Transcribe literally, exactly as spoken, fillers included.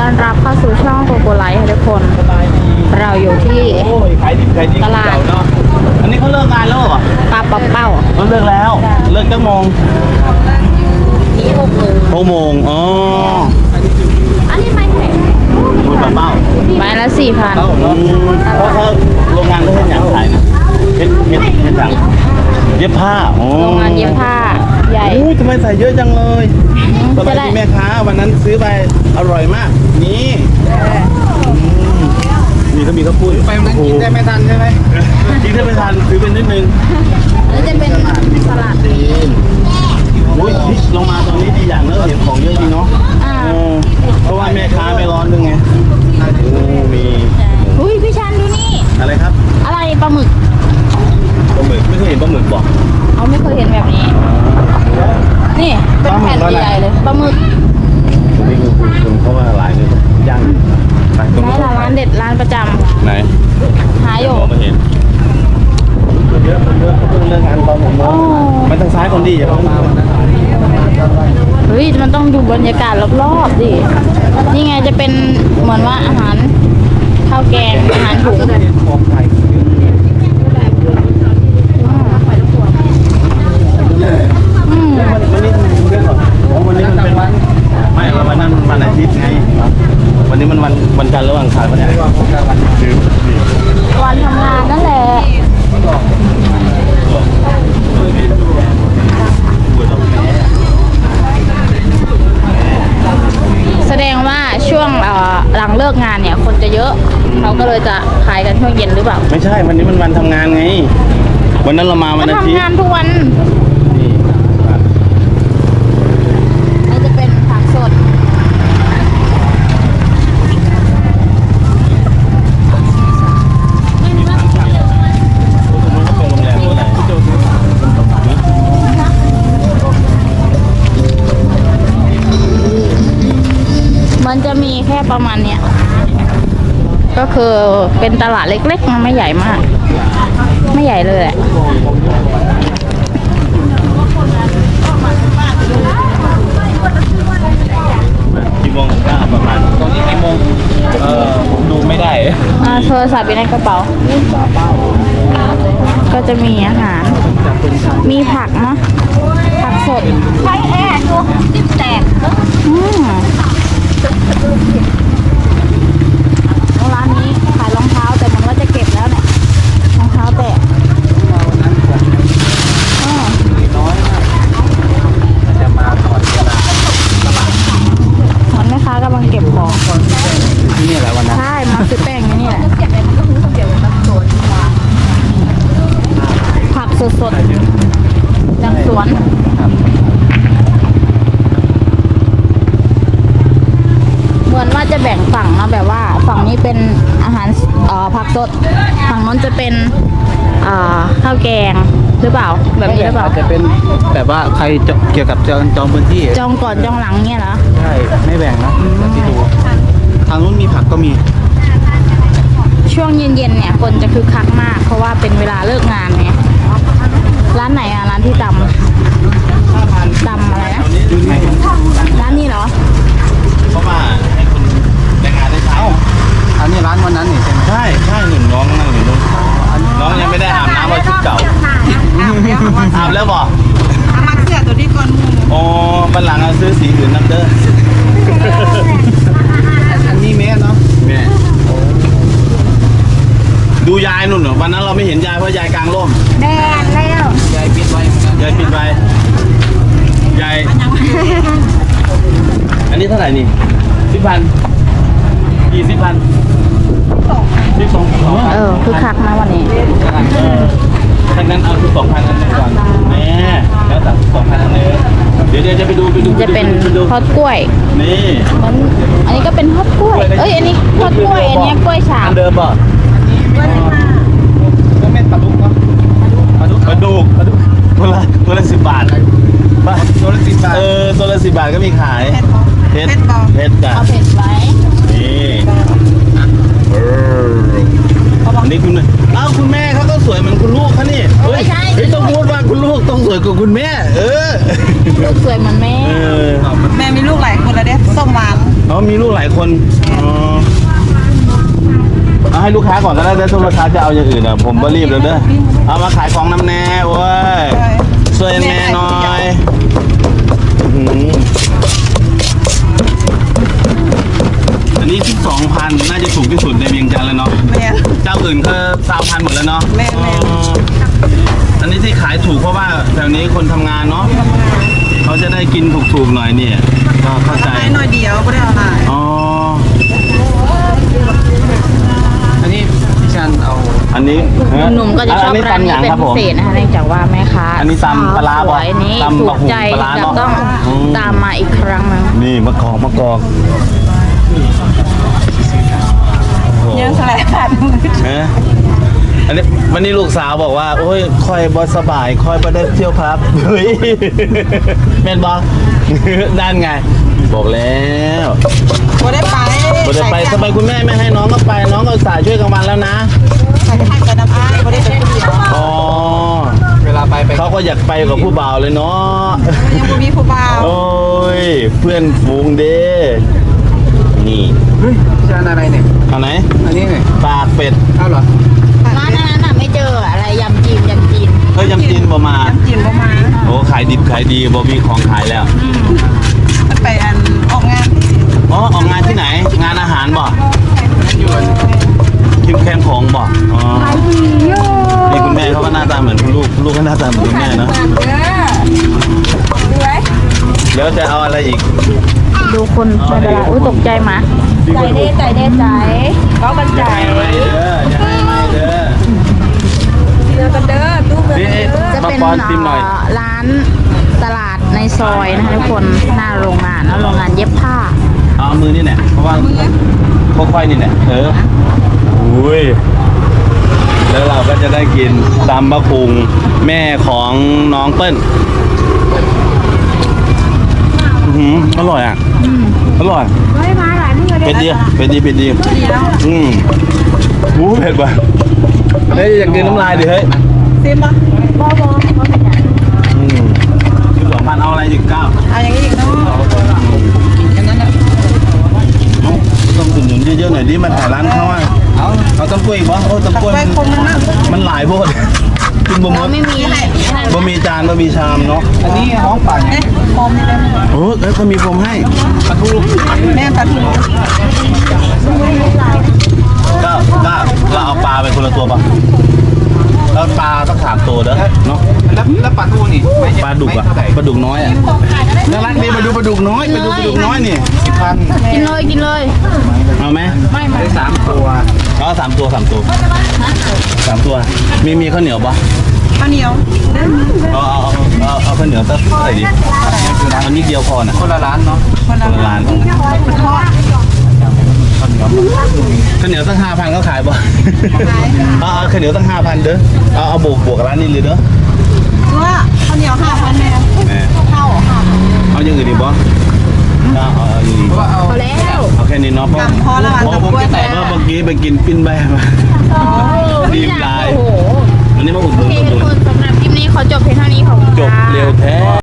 ต้อนรับเข้าสู่ช่องโกโกไลท์ค่ะทุกคน เราอยู่ที่โอ้ยขายดิบขายดีตลาดเนาะอันนี้เขาเลิกงานแล้วเหรอปลาเป้าเป้าเขาเลิกแล้ว เลิกจังโมงนี่หกโมงหกโมงอ๋ออันนี้ไม่แพงคุณป้าเป้าไม้ละสี่พันเป้าเนาะเพราะเขาโรงงานเขาเป็นอย่างขายนะเฮ็ดเฮ็ดเฮ็ดจังเย็บผ้าโอ้โรงงานเย็บผ้าใหญ่โอ้ทำไมใส่เยอะจังเลยสบายจะได้ดีแม่ค้าวันนั้นซื้อไปอร่อยมาก นี่อืมมีก็มีข้าวปุ้ยไปมันกินได้ไม่ทันใช่ไหมกินได้ไม่ทันซื้อเป็นนิดนึงอันนี้จะเป็นสลัดจีนโอ้ยนี่ลงมาตรงนี้ดีอย่างเนอะเห็นของเยอะดีเนาะอ่าเออเพราะว่าแม่ค้าไม่ร้อนด้วยไงโอ้มีอุ้ยพี่ชันดูนี่อะไรครับอะไรปลาหมึกปลาหมึกไม่เคยเห็นปลาหมึกบอกเขาไม่เคยเห็นแบบนี้ นี่เป็นแผ่นใหญ่ๆเลยปลาหมึกตัวนี้คือคุณคุณเพราะว่าหลายเลยย่างไปตรงไหนนู้นล่ะร้านเด็ดร้านประจไหนำหาอยู่มองไม่เห็นเยอะเยอะเขาเพิ่งเลิกงานตอนหกโมงมันทางซ้ายคนดีอย่าเพิ่งมาวันนั้นเฮ้ยมันต้องดูบรรยากาศรอบๆดินี่ไงจะเป็นเหมือนว่าอาหารข้าวแกงอาหารถุงของไทยอืมวันนี้มันเรื่องก่อนวันนี้มันเป็นวันไม่วันนั้นมันวันอาทิตย์ไงวันนี้มันวันวันจันทร์หรือวันอังคารวันไหนคือวันทำงานนั่นแหละ แสดงว่าช่วงเอ่อหลังเลิกงานเนี่ยคนจะเยอะเขาก็เลยจะขายกันช่วงเย็นหรือเปล่าไม่ใช่วันนี้มันวันทำงานไงวันนั้นเรามาวันก็อาทิตทำย์งานทุกวันนี่นี่จะเป็นผักสดมันจะมีแค่ประมาณเนี้ยก็คือเป็นตลาดเล็กๆมันไม่ใหญ่มาก ไม่ใหญ่เลยแหละกี่โมงก็ประมาณตอนนี้กี่โมงเออผมดูไม่ได้อ่าโทรศัพท์อยู่ในกระเป๋า ก็จะมีอาหาร มีผักเนาะผักสดใช้แอร์ดูจิ้มแตกอืมร้านนี้ขายรองเท้าแต่มันว่าจะเก็บแล้วเนี่ยรองเท้าแตะอ๋อน้อยมากจะมาก่อนเวลาเหมือนแม่ค้ากำลังเก็บของที่นี่แหละวันนั้นใช่มาซื้อแป้งอยู่นี่แหละผักสดๆจากสวนเหมือนว่าจะแบ่งฝั่งเนาะแบบว่าฝั่งนี้เป็นอาหารเอ่อผักสดฝั่งนู้นจะเป็นเอ่อข้าวแกงหรือเปล่าแบบนี้หรือเปล่าจะเป็นแบบว่าใครจะเกี่ยวกับจองจองพื้นที่จองก่อนจองหลังเนี่ยเหรอใช่ไม่แบ่งนะแต่ที่ดูทางนู้นมีผักก็มีช่วงเย็นๆเนี่ยคนจะคึกคักมาก เพราะว่าเป็นเวลาเลิกงานไงร้านไหนอะร้านที่ตำตำอะไรนะร้านนี้เหรอเพราะว่าให้คนแรงงานได้ใช้อันนี้ร้านวันนั้นนี่ใช่ไหมใช่ใช่หนึ่งน้องนั่งอยู่นู่นน้องยังไม่ได้อาบน้ำว่าชุดเก่าอาบแล้วบอกมักเสื้อตัวนี้ก่อนหมูอ๋อบันหลังเอาซื้อสีอื่นน้ำเด้ออันนี้แม่เนาะแม่ดูยายนุ่นเหรอวันนั้นเราไม่เห็นยายเพราะยายกลางร่มแดงแล้วยายปิดไว้เหมือนกันยายปิดไว้ยายอันนี้เท่าไหร่นี่สิบพันกี่สิบพันสิบสองสองพันเออคึกคักนะวันนี้เออถ้างั้นเอาสิบสองพันอันนี้ก่อนแม่แล้วแต่สิบสองพันอันนี้เดี๋ยวเดี๋ยวจะไปดูไปดูจะเป็นไปดูทอดกล้วยนี่มันอันนี้ก็เป็นทอดกล้วย เอ้ยอันนี้ทอดกล้วยอันนี้กล้วยฉาอับนเดิมป่ะก็เม็ดปลาดุกเนาะปลาดุกปลาดุกปลาดุกตัวละตัวละสิบบาทป่ะตัวละสิบบาทเออตัวละสิบบาทก็มีขายเพชรเพชรจ้ะเอาเผ็ดไว้นี่เอออันนี้คุณอ้าวคุณแม่เขาก็สวยเหมือนคุณลูกเขานี่เฮ้ยเฮ้ยต้องพูดว่าคุณลูกต้องสวยกว่าคุณแม่ เออลูกสวยเหมือนแม่เออแม่มีลูกหลายคนแล้วเด้ส้มหวานเขามีลูกหลายลายคนอ๋อเอาให้ลูกค้าก่อนก็ได้ถ้าลูกค้าจะเอาอย่างอื่นอ่ะผมก็รีบแล้วเด้อเอามาขายของน้ำแน่เว้ยช่วยแม่หน่อยอื้อหืออันนี้ที่สองพันน่าจะถูกที่สุดในเวียงจันทร์แล้วเนาะแม่เจ้าอื่นก็สามพันหมดแล้วเนาะแม่แม่อ๋ออันนี้ที่ขายถูกเพราะว่าแถวนี้คนทำงานเนาะเขาจะได้กินถูกๆหน่อยเนี่ยก็เข้าใจให้หน่อยเดียวก็ได้เอาหลายอ๋ออันนี้พี่ชันเอาอันนี้หนุ่มๆก็จะชอบร้านนี้เป็นพิเศษนะคะเนื่องจากว่าแม่ค้าอันนี้ตำปลาร้าสบ่วยนี้ตำถูบะกหุ่ใจงปลาร้าจะเนาะต้องอืมตามมาอีกครั้งหนึงนี่มะกอกมะกอกเยอะสลายขาดเอ๊ะอันนี้วันนี้ลูกสาวบอกว่า โอ้ยคอยบอสบายคอยประเด็เที่ยวครับเฮ้ยแม่นบอก ด้านไง บอกแล้วบ่ได้ไปบ่ได้ไปทำไมคุณแม่ไม่ให้น้องก็ไป น้องก็สายช่วยกลางวันแล้วนะใส่ให้กับน้ำอ้ายบ่ได้ไปคนเดียวอ๋อเวลาไปไปเขาก็อยากไปกับผู้บ่าวเลยเนาะยังบ่มีผู้บ่าวโอ้ย เพื่อนฝูงเด้ นี่เฮ้ยพี่ชันอะไรเนี่ยเอาไหนอันนี้เนี่ยปากเป็ดเอาเหรอร้านนั้นน่ะไม่เจออะไรยำจีนยำจีนเฮ้ยยำจีนบ่มาน้ำจีนบ่มาโอ้ขายดิบขายดีบ่มีของขายแล้วมันไปอันออกงานอ๋อออกงานที่ไหน งานอาหารบ่คิมแคมของบ่อ๋อนี่คุณแม่เขาก็หน้าตาเหมือนคุณลูกคุณลูกก็หน้าตาเหมือนคุณแม่เนาะเดี๋ยวจะเอาอะไรอีกดูคนไม่เป็นไรอุ้ยตกใจหมาใจเด้ใจเด้ใจก็กันใจอย่าให้ไม่เด้ออย่าให้ไม่เด้อเดือกันเด้อตู้เงินนี่จะมาเป็นปอนซิมหน่อยเอ่อร้านตลาดในซอยนะคะทุกคนหน้าโรงงานแล้วโรงงานเย็บผ้าเอามือนี่แหละเพราะว่าค่อยๆนี่แหละเอออุ้ยแล้วเราก็จะได้กินตำมะพุงแม่ของน้องเปิ้ลอื้อหืออร่อยอ่ะอร่อยไม่มาหลายมื้อเผ็ดดีเผ็ดดีเผ็ดดีอืมหูเผ็ดว่ะเฮ้ยอยากกินน้ำลายดิเฮ้ยซิมบ่บ่บ่บ่เป็นหยังอืมคือสองพันเอาอะไรอีกเก้าเอาอย่างนี้อีกเนาะต้องอุดหนุนเยอะๆหน่อยดิมันถ่ายร้านเขาอ่ะเอาเอาต้มกล้วยอีกปะโอ้ต้มกล้วยไปคงนึงนะมันหลายโพดกินบ่หมเราดไม่มีอะไรนั่นบ่มีจานบ่มีชามเนาะอันนี้ห้องป่าเนี่ยเอ๊ะพร้อมนี่ได้ไหมโอ้แล้วเขามีพรมให้ปลาทูแม่ตัดหูก็ก็เราเอาปลาไปคนละตัวปะแล้วปลาต้องสามตัวเด้อเนาะแล้วแล้วปลาทูนี่ไม่ปลาดุกอะไม่เท่าไหร่ปลาดุกน้อยอะน่ารักดีมาดูปลาดุกน้อยไปดูปลาดุกน้อยนี่สิบพันกินเลยกินเลยเอาไหมไม่ไม่ได้สามตัวเอาสามตัวสามตัวสามตัว มีมีข้าวเหนียวปะข้าวเหนียวเอาเอาเอาเอาเอาข้าวเหนียวสักเท่าไหร่ดีเอานิดเดียวพอนะคนละร้านเนาะคนละคนละร้านคนทอดข้าวเหนียวข้าวเหนียวตั้งห้าพันก็ขายปะเอาเอาข้าวเหนียวตั้งห้าพันเด้อเอาเอาบวกบวกกับร้านนี้เลยเด้อว่าข้าวเหนียวห้าพันแม่แหมข้าวค่ะเอาอย่างอื่นดีปะเอาเอาเอาอย่างอื่นเพราะว่าเอาพอแล้วเอาแค่นี้เนาะเพราะพอแล้วเพราะกับผมกล้วยแต่แต่ว่าเมื่อกี้ไปกินปิ้นแบมา รีบไลน์โอ้โหวันนี้มาอุดหโอนุนเคอุดหทุนุกนคนสำหรับคลิปนี้ขอจบเพียงเท่านี้ขอบคุณจบค่ะเร็วแท้